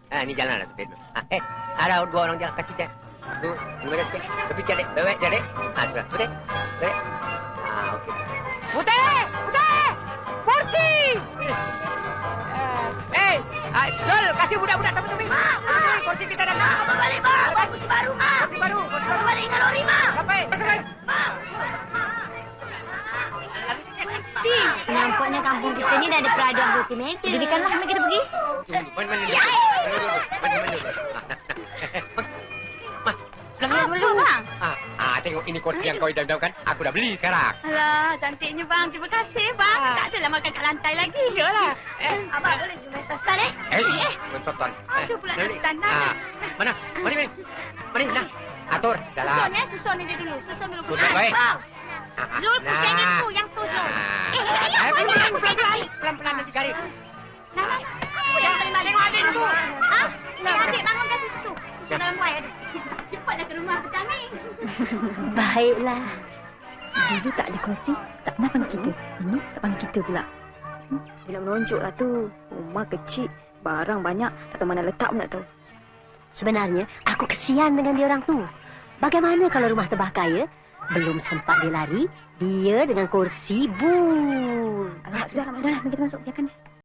Ni jalan lah supir. Ada dua orang jalan kasih cek. Dua sikit. Tepi cek, bawek cek. Sudah. Putih. Bawek. Okey. Putih! Putih! Kursi! Zul, kasih budak-budak tepi-tepi. Kursi kita dah. Abang balik, Bang. Abang kursi baru, Mak. Kursi baru. Balik dengan lori, Mak. Sampai. Nampaknya kampung kita ni dah ada peraduan bersih meja. Jadikanlah kami kita pergi. Mana? Dulu, Bang. Tengok ini kursi yang kau idam-idamkan. Aku dah beli sekarang. Alah, cantiknya, Bang. Terima kasih, Bang. Tak adalah makan kat lantai lagi. Iyalah. Abang boleh pergi main stan, Mensotan. Ada pula nak standar. Mana? Mari, nak. Atur. Dalam. Susun dia dulu. Susun dulu. Susun, baik. Zul, pusing yang tu, Zul. Pelan-pelan nanti garis. Jangan terima tengok adik tu. Adik bangunkan susu. Susu dalam kuai ada. Cepatlah ke rumah petang ni. Baiklah. Dulu tak ada kursi, tak pernah panggil kita. Ini tak panggil kita pula. Bila menonjoklah tu. Rumah kecil, barang banyak, tak tahu mana letak pun tak tahu. Sebenarnya, aku kesian dengan dia orang tu. Bagaimana kalau rumah terbakar, ya? Belum sempat dia lari, dia dengan kursi bul. Sudahlah, kita masuk. Biarkan dia.